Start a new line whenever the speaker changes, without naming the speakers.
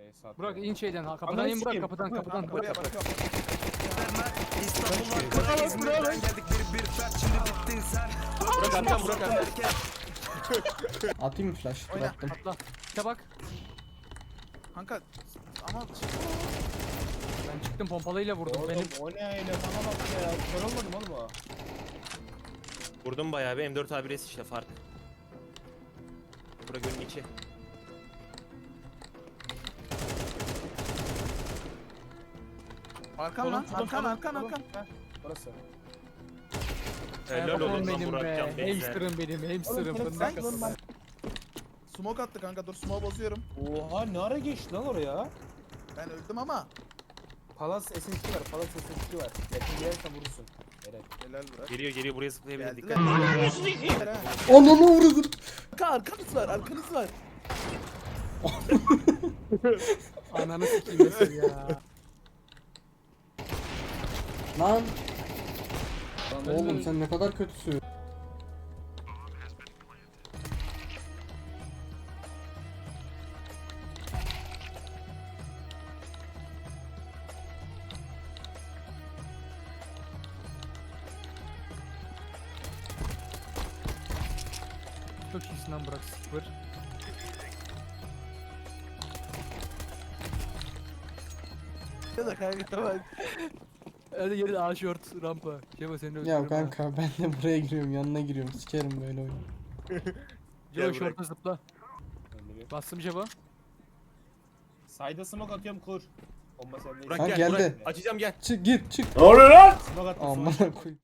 Burak in şeyden ha, kapıdan
Ananı
in Burak,
sikeyim.
kapıdan.
Buraya bakıyorum.
Burak arkam, Burak arkam.
Atayım mı flash? Dur
Oyna.
attım.
Atla. İşte bak.
Kanka ama
Ben çıktım pompalıyla vurdum.
Oğlum
Benim
o ne öyle bana bak ya. Kör olmadım oğlum o.
Vurdum bayağı bir M4 A1S işte fark. Bura gölün içi.
arkan lan, arkan.
Burası.
Helal
oğlum
olsun lan
benim
Burakcan
be.
teyze.
Hamster'ım benim, hamster'ım.
Oğlum,
Fındık
sen-
kası.
Smoke attı kanka, dur smoke bozuyorum.
Oha ne ara geçti lan oraya?
Ben öldüm ama.
Palas SSG var. Palas SSG var. Yakın gelirsen vurursun. Evet.
Helal Burak.
Geliyor buraya zıplayabilir
Geldiler.
dikkat.
Ananı vurdum.
Arkanız var.
Ananı sikeyim mesela ya.
Lan
Ben
oğlum
de-
sen ne kadar kötüsün.
Çok iyisin lan Burak, 0.
Ya da kanka bak.
Hadi geri A short rampa. Şeva seni
Ya
öldürürüm ha.
kanka ben de buraya giriyorum, yanına giriyorum. Sikerim böyle oyunu.
Şeva
Gel
short'a zıpla. Bastım Şeva.
Sayda smoke atıyorum kur. Bomba sende.
Burak
Ha,
gel
geldi.
Burak. Açacağım gel.
Çık git çık.
Smoke attım.
Aman koyayım.